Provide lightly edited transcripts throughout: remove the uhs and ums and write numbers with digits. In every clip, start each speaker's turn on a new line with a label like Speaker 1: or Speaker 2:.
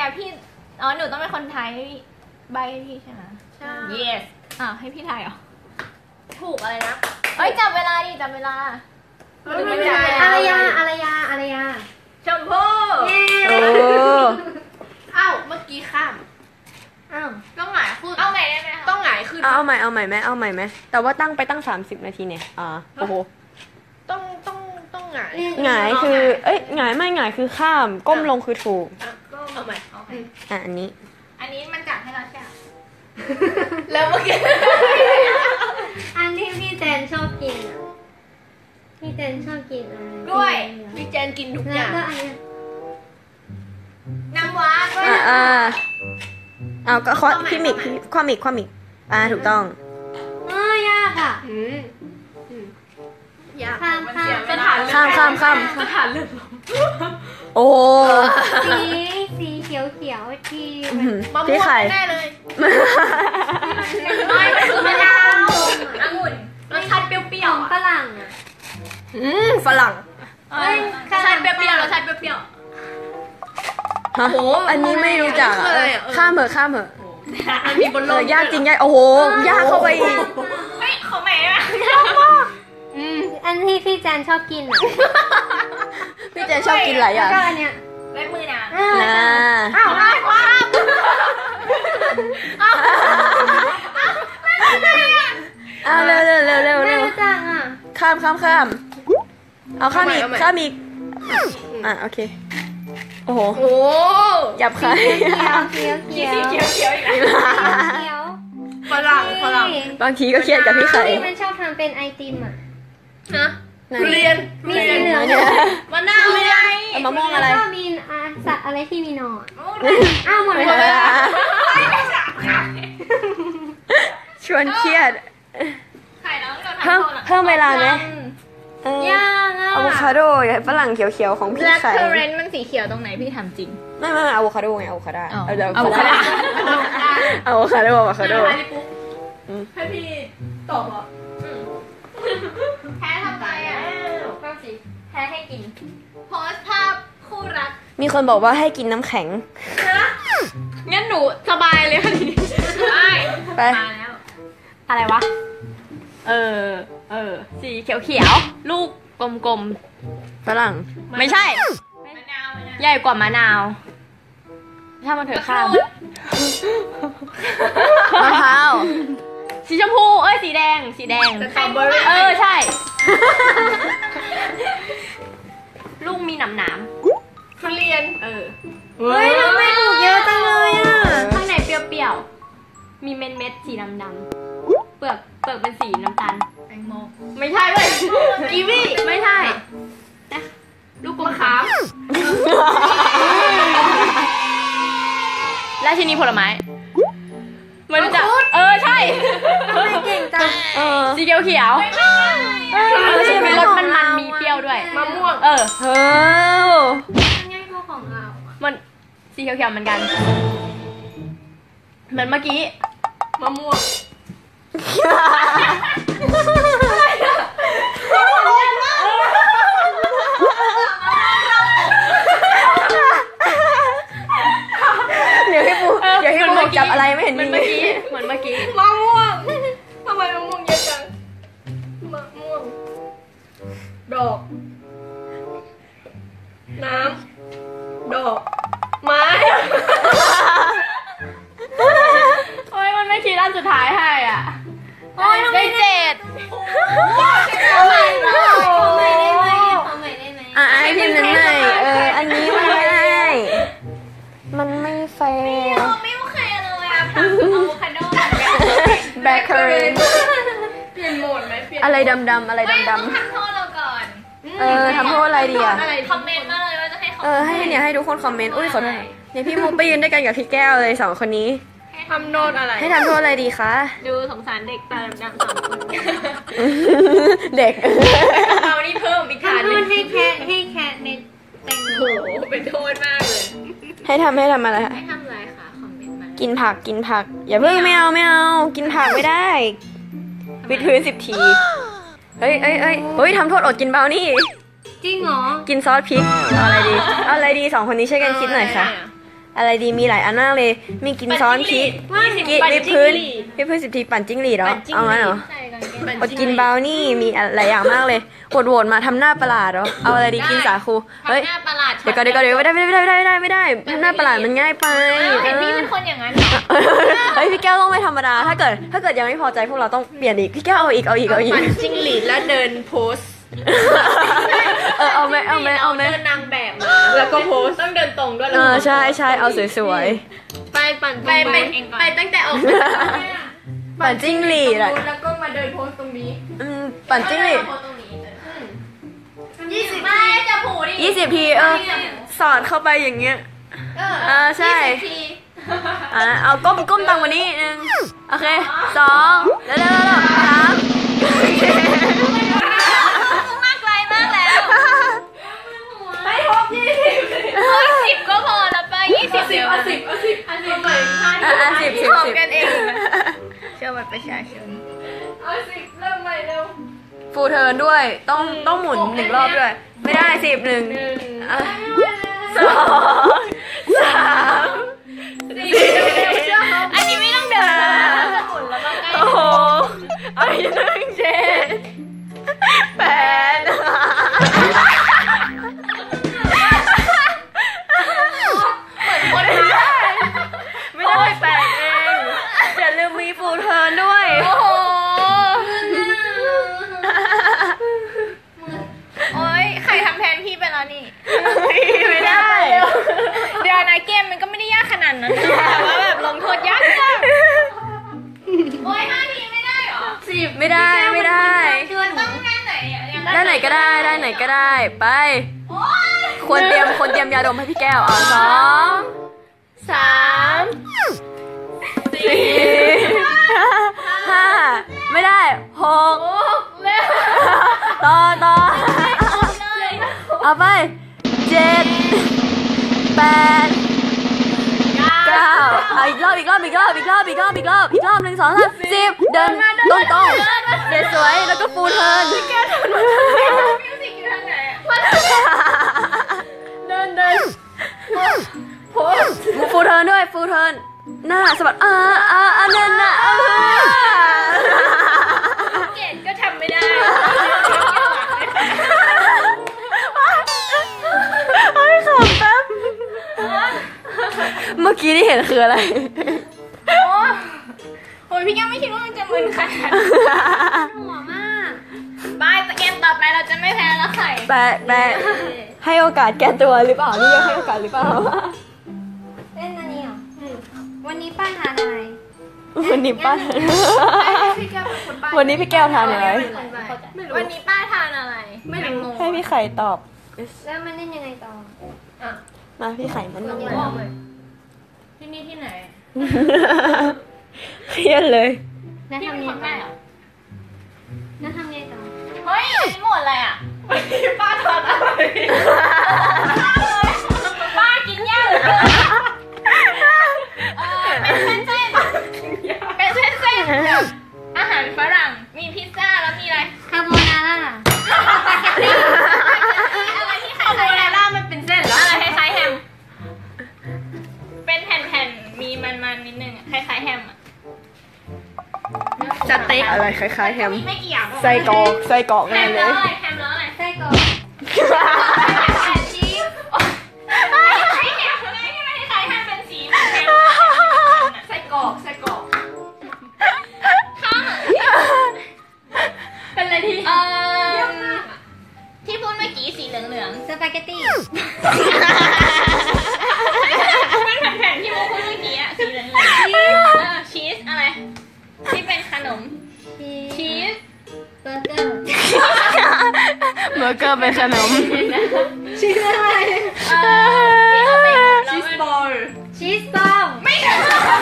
Speaker 1: อ่ะพี่อ๋อหนูต้องเป็นคนไทยใบให้พี่ใช่ไหม
Speaker 2: ใช่
Speaker 1: yes ให้พี่ไทยเหรอ
Speaker 2: ถูกอะไรนะ
Speaker 1: เอ้ยจับเวลาดิจับเวลา
Speaker 2: อารยา
Speaker 1: ชมพู่
Speaker 3: โอ้
Speaker 2: อ้าวเมื่อกี้ข้ามต้องหงายขึ้น
Speaker 1: เอาใหม่ได้ไหมคะ
Speaker 2: ต้องหงายขึ้น
Speaker 3: เอาใหม่ไหมแต่ว่าตั้งไปตั้ง30 นาทีเนี่ยโอ้โห
Speaker 2: ต้องหงาย
Speaker 3: หงายคือหงายไม่หงายคือข้ามก้มลงคือถูก
Speaker 2: เอาใหม่
Speaker 3: อันนี้
Speaker 1: มันจับให้เราใช่ไหม
Speaker 2: แล้วเมื่อกี้
Speaker 4: อันที่พี่แจนชอบกินพี่แจนชอบกินอะไร
Speaker 1: กล้วย
Speaker 2: พี่แจนกินทุกอย่าง
Speaker 4: แล้วก็อันนี้
Speaker 1: น้ำว้าด้วย
Speaker 3: เอาก็พี่มิกความอีกถูกต้อง
Speaker 4: ยากอ่ะ
Speaker 2: ยาก
Speaker 4: ข้าม
Speaker 1: สถานเลือดลม
Speaker 3: โอ้
Speaker 4: สีเขียวที่
Speaker 2: มะม่วงแน่เลย
Speaker 1: ไม่คือมะนาวองุ่นรสชาติเปรี้ยว
Speaker 4: ๆฝรั่ง
Speaker 3: ฝรั่ง
Speaker 1: รสชาติเปรี้ยวรสชาติเปรี้ยว
Speaker 3: ฮะอันนี้ไม่รู้จักข้ามเหอะ
Speaker 2: มันมีบนโลก
Speaker 3: ยากจริงโอ้โหยากเข้าไปอีก
Speaker 1: เฮ้ยเขาแหม่
Speaker 4: อันที่พี่แจนชอบกิน
Speaker 3: พี่แจนชอบกินอะไร
Speaker 4: ก็อันเนี้ย
Speaker 1: เล็บมือนาง
Speaker 2: ได้ความ
Speaker 3: เร็ว
Speaker 4: ไม่รู้จัก
Speaker 3: ข้ามเอาข้ามอีกโอเคโอ้โหหยับใคร
Speaker 4: เขียว
Speaker 1: อีกแล้ว
Speaker 2: ฝรั่ง
Speaker 3: บางทีก็เครียดกับพี่ไข่
Speaker 4: ที่มันชอบทำเป็นไอติม
Speaker 2: นะทุเรียน
Speaker 4: มีสีเหลือง
Speaker 2: มะนาวไง
Speaker 3: มะม่วงอะไร
Speaker 4: ก็มีสัตว์อะไรที่มีหนอนหมดเวลา
Speaker 3: ชวนเครียดเพิ่มเวลาไหม
Speaker 4: ยาก
Speaker 3: อะโวคาโดฝรั่งเขียวๆของพี่ไข่
Speaker 1: Black currant มันสีเขียวตรงไหนพี่ทำจริง
Speaker 3: ไม่อะโวคาโดไงอะโวคาโด
Speaker 1: อะโวคาโด
Speaker 2: ให้พี่ตอบเหรอ
Speaker 1: แพ้ทำไมก็สิแพ้ให้กินโพสภาพคู่รัก
Speaker 3: มีคนบอกว่าให้กินน้ำแข็ง
Speaker 1: งั้นหนูสบายเลยค่ะทีนี้
Speaker 3: ไป
Speaker 1: อะไรวะสีเขียวลูกกลม
Speaker 3: ฝรั่ง
Speaker 1: ไม่ใช่ใหญ่กว่ามะนาวถ้ามันเถอะข้าม
Speaker 3: มะพร้าว
Speaker 1: สีชมพูสีแดง
Speaker 2: สตรอเบอรี่
Speaker 1: ใช่ลูกมีหนาม
Speaker 2: ทุเรียน
Speaker 4: เฮ้ยเราไม่ถูกเยอะจังเลย
Speaker 1: ข้างในเปรี้ยวๆมีเม็ดสีดำๆเปลือกเป็นสีน้ำตาล
Speaker 2: แตงโม
Speaker 1: ไม่ใช่เลย
Speaker 2: กีวี
Speaker 1: ไม่ใช่ลูกกลมขามราชินีผลไม้มันจะใช่
Speaker 4: ไม่เก่งจัง
Speaker 1: สีเขียวมีรสมันมีเปรี้ยวด้วย
Speaker 2: มะม่วง
Speaker 4: ง่ายกว่าของเรา
Speaker 1: มันสีเขียวเหมือนกันเหมือนเมื่อกี้
Speaker 2: มะม่วง
Speaker 3: เดี๋ยวให้ปูจับอะไรไม่เห็นมี
Speaker 1: เหมือนเมื่อกี้
Speaker 2: มะม่วงทำไมมะม่วงเยอะจังมะม่วงดอกน้ำดอกไม้
Speaker 1: มันไม่คิดอันสุดท้ายให้ได้7
Speaker 4: ขอใหม่ได้ไหม
Speaker 3: ไอพิมพ์นั้นหน่อยอันนี้มันไม่แฟร์
Speaker 1: ไม่โอเคเลยอะทำอะโวคาโด
Speaker 3: แบล็คเคอร์เรนต์
Speaker 2: เปลี่ยนโหมดไหม
Speaker 3: อะไรดำอะไรดำ
Speaker 1: ทำโทษเราก่อน
Speaker 3: ทำโทษอะไรดีอะ
Speaker 1: คอมเมนต์มาเลยว่าจะให้
Speaker 3: ให้ทุกคนคอมเมนต์ขอโทษเนี่ยพี่มุกไปยืนด้วยกันกับพี่แก้วเลย2 คนนี้
Speaker 2: ทำโทษอะไร
Speaker 3: ให้ทำโทษอะไรดีคะ
Speaker 1: ดูสงสารเด็กตาดำ2 คน
Speaker 3: เด็ก
Speaker 1: เรานี่เพิ่มอีกฐานนึง
Speaker 4: ให้แค่ในแตงโม
Speaker 2: เป็นโทษมากเลย
Speaker 3: ให้ทำอะไรคะ
Speaker 1: ให้ทำอะไรคะคอมเมนต์มา
Speaker 3: กินผักอย่าเพิ่งไม่เอากินผักไม่ได้วิดพื้น10 ทีเฮ้ยทำโทษอดกินเบานี่
Speaker 4: จริงเหรอ
Speaker 3: กินซอสพริกเอาอะไรดี2 คนนี้ช่วยกันคิดหน่อยค่ะอะไรดีมีหลายอันมากเลย มีกินซ้อนพริกกินวิปพื้น10 ทีปั่นจิ้งหรีดเหรอเอางั้นเหรอ
Speaker 1: ใช่ก่อนแก
Speaker 3: อดกินบราวนี่มีหลายอย่างมากเลยโหวตมาทำหน้าประหลาดเหรอเอาอะไรดีกินสาคูเฮ้ย
Speaker 1: ทำหน้าประหลาด
Speaker 3: เดี๋ยวก่อนไม่ได้ทำหน้าประหลาดมันง่ายไป
Speaker 1: เห็นพี่เป็นคนอย่างนั้นเหรอ
Speaker 3: เฮ้ยพี่แก้วต้องไม่ธรรมดาถ้าเกิดยังไม่พอใจพวกเราต้องเปลี่ยนอีกพี่แก้วเอาอีก
Speaker 2: ปั่นจิ้งหรีดแล้วเดินโพส
Speaker 3: เอาไหม
Speaker 2: เดินนางแบบมาแล้วก็โพสต้องเดินตรงด้วย
Speaker 3: ใช่เอาสวย
Speaker 2: ไปปั่น
Speaker 1: ไปตั้งแต่ออก
Speaker 3: ๆปั่นจิ้งหรีดอะ
Speaker 2: แล้วก็มาเดินโพสตรงนี้
Speaker 3: ปั่นจิ้งหรีด
Speaker 1: 20 ไม่จะผูดิ
Speaker 3: 20 ทีสอดเข้าไปอย่างเงี้ยใช่
Speaker 1: 20 ที
Speaker 3: เอาก้มตังกว่านี้นึงโอเค2แล้ว3
Speaker 1: มากไกลมากแล้ว
Speaker 2: ไปพบ
Speaker 1: 10 ก็พอแล้วไป20 เดี๋ยว
Speaker 2: 10ไป
Speaker 3: 10
Speaker 1: ขอบกันเองเชื่อบัตรประชาชน
Speaker 2: เอา10เริ่มใหม่เร็ว
Speaker 3: ฟูเทิร์นด้วยต้องหมุน1 รอบด้วยไม่ได้10 1 2 3 4
Speaker 1: อันนี้ไม่ต้องเดินหมุนแล้วก็ใกล้
Speaker 3: โอ้โหเอาอีก1 7 8ไม่ได้8เองอย่าลืมมีฟูเทิร์นด้วย
Speaker 1: โอ้โหโอ๊ยใครทำแทนพี่ไปแล้วนี่
Speaker 3: ไม่ได้
Speaker 1: เดี๋ยวนะเกมมันก็ไม่ได้ยากขนาดนั้นนะแต่ว่าแบบลงโทษยากมากโอ๊ย5 ทีไม่ได้เหรอ
Speaker 3: ไม่ได้
Speaker 1: มันต้องด้านไหนอ่ะ
Speaker 3: ด้านไหนก็ได้ไป
Speaker 1: โอ๊ย
Speaker 3: ควรเตรียมยาดมให้พี่แก้ว2 3 4 5ไม่ได้6
Speaker 1: เร็ว
Speaker 3: ต่อ
Speaker 1: เลย
Speaker 3: เอาไป7 8 9เอาอีกรอบ1 2 3 10เดินตรงสวยแล้วก็ฟูเทิร์น
Speaker 1: มิวสิกอยู่ทางไหนอ่ะ
Speaker 3: เดินฟูเทิร์นด้วยฟูเทิร์นหน้าสะบัดนั่นน่ะ
Speaker 1: เกดก็ทำไม่ได้
Speaker 3: เฮ้ยขำแป๊บเมื่อกี้ที่เห็นคืออะไร
Speaker 1: โอ้ยพี่แก้วไม่คิดว่ามันจะมึนขนาด
Speaker 4: หัวมาก
Speaker 1: บ้ายเกมต่อไปเราจะไม่แพ้แล้วไข่
Speaker 3: แต่ให้โอกาสแก้ตัวหรือเปล่านี่ยังให้โอกาสหรือเปล่า
Speaker 4: เล่นอันนี้เหรอวันนี้ป้าทานอะไร
Speaker 3: วันนี้ป้า
Speaker 2: พี่แก้วเป็นคนบ้า
Speaker 3: วันนี้พี่แก้วทานอะไร
Speaker 1: วันนี้ป้าทานอะไรไม่รู้
Speaker 3: ให้พี่ไข่ตอบ
Speaker 4: แล้วมันเล่นยังไงต่อ
Speaker 3: มาพี่ไข่มัน
Speaker 1: อย่าบอกเลยที่นี่ที่ไหน
Speaker 3: เครียดเลย
Speaker 4: แล้ว
Speaker 1: พี่
Speaker 4: ทำ
Speaker 1: เป็น
Speaker 4: ไง
Speaker 1: คน
Speaker 4: ต่
Speaker 1: ใต้
Speaker 4: อ
Speaker 1: เหรอ
Speaker 4: แล้วทำไงต่อ
Speaker 1: เฮ้ยอันนี้หมดอะไรอ่ะ
Speaker 2: ป้าทานอะไร
Speaker 1: ป้ากินย่างเป็นเส้นๆอาหารฝรั่งมีพิซซ่าแล้วมีอะไร
Speaker 4: คาโบนาร่า
Speaker 1: อะไรที่คล้ายๆแฮมมันเป็นเส้นเหรออะไรคล้ายๆแฮมเป็นแผ่นๆมีมันๆนิดนึงคล้ายๆแฮมอ่ะ
Speaker 3: สเต็กอะไรคล้ายๆแฮม
Speaker 1: มีไม่กี่อย่าง
Speaker 3: ไส้กรอก
Speaker 1: แฮ
Speaker 3: แน่
Speaker 1: ม
Speaker 3: เล
Speaker 1: แล้ว
Speaker 3: ย
Speaker 1: อะไรแฮมแล้วอะไร
Speaker 4: ไส้กรอก
Speaker 1: แผ่นชีสไอ้แฮมอะไรที่ไม่คล้ายๆแฮมเป็นสีเหมือนแฮม
Speaker 2: ไส้กรอก
Speaker 1: ข้าง
Speaker 2: เป็นอะไรที่
Speaker 1: ที่พูดเมื่อกี้สีเหลือง
Speaker 4: สปาเกตตี้
Speaker 1: ๆเป็นแผ่นๆที่พูดเมื่อกี้อะสีเหลืองๆชีสอะไรที่เป็นขนมชีส
Speaker 4: เบอร์เกอร์
Speaker 3: เบอร์เกอร์เป็นขนม
Speaker 4: ชีสอะไร
Speaker 2: ชีสบอล
Speaker 4: ชีสบอล
Speaker 1: ไม่ถึง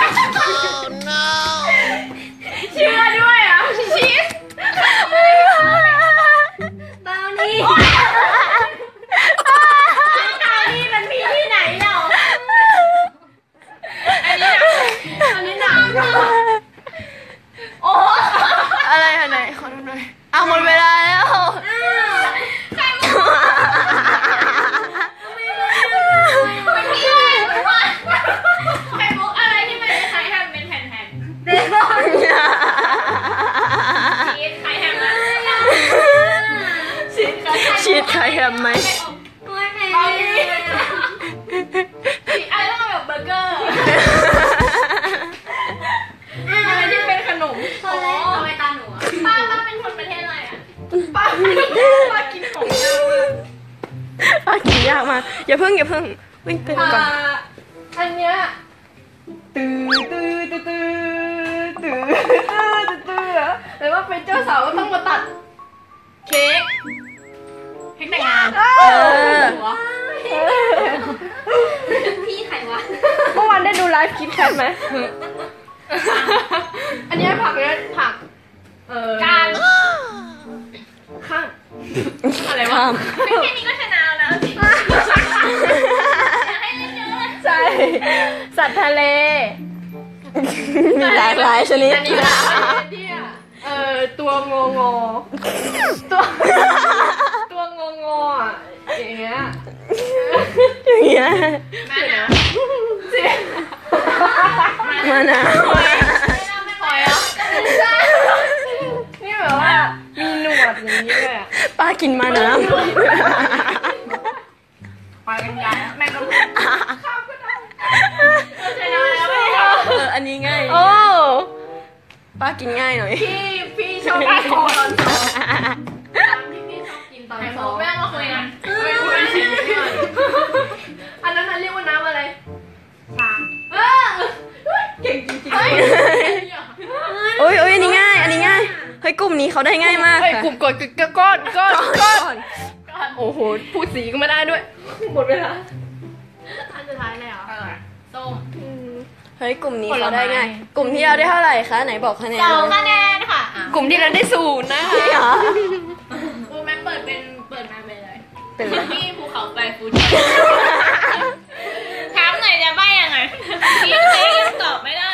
Speaker 1: เชื่อด้วยอ่ะชีส
Speaker 4: บราวนี่
Speaker 1: นี่มันมีที่ไหนเนาะอันนี้หนักโอ้
Speaker 3: อะไรอันไหนขอดูหน่อยหมดเวลาแล้ว
Speaker 1: ใครมา
Speaker 3: าเพิ่งวิ่งตื่นก่อน
Speaker 2: อันเนี้ยตื้อแต่ว่าเป็นเจ้าสาวก็ต้องมาตัดเค้ก
Speaker 1: เค้กแต่งงาน
Speaker 4: พี่ใครวะ
Speaker 2: เมื่อวานได้ดูไลฟ์คลิปแคทไหมอันเนี้ยผักเนี่ยผัก
Speaker 1: การ
Speaker 2: ข้างอะไรวะ
Speaker 1: ไม่แค่นี้ก็ชนะแล้วสิให้เล่นเยอะเลย
Speaker 2: ใช่สัตว์ทะเล
Speaker 3: มีหลากหลายชนิด
Speaker 2: อันนี้ละเนี่ยตัวงองอตัวงองออ่ะอย่างเงี้ย
Speaker 3: อย่างเงี้ย
Speaker 1: มานะ
Speaker 3: มานะ
Speaker 1: หอยอ่ะ
Speaker 2: นี่แบบว่ามีหนวดอย่างนี้เลยอ่ะ
Speaker 3: ป้ากินมาน้
Speaker 1: หอยกันใหญ่แม่งก็
Speaker 3: ำ
Speaker 1: ชนะแล้วไม่
Speaker 3: อันนี้ง่าย
Speaker 2: โอ้
Speaker 3: ป้ากินง่ายหน่อย
Speaker 2: พี่ชอบกินตอนสองพี่ชอบกินตอน
Speaker 1: ไข่
Speaker 2: ส
Speaker 1: มุ
Speaker 2: อก ง
Speaker 1: แม่งมาคุยกัน
Speaker 2: อันนั้นเรียกว่าน้ำอะไรเก่งจริงๆ
Speaker 3: โอ้ยอันนี้ง่าย เฮ้ยกลุ่มนี้เขาได้ง่ายมาก
Speaker 2: เฮ้ย
Speaker 3: ค่ะ
Speaker 2: กลุ่มก้อนโอ้โหพูดสีก็ไม่ได้ด้วยหมดเวลาอันสุดท้ายเลยเหรอ
Speaker 1: ส้ม
Speaker 3: เฮ้ยกลุ่มนี้เขาได้ง่าย กลุ่มที่เราได้เท่าไหร่คะไหนบอกคะแนน
Speaker 1: 2
Speaker 3: เลย
Speaker 1: คะแนนค่ะ
Speaker 2: กลุ่มที่เราได้0นะคะ
Speaker 3: นี่เหรอ
Speaker 1: กูแม่เปิดมาไปเลย
Speaker 3: เป็นไร
Speaker 1: พี่ภูเขาไฟฟูจิถามหน่อยจะใบ้ยังไงพี่เค้กยังตอบไม่ได้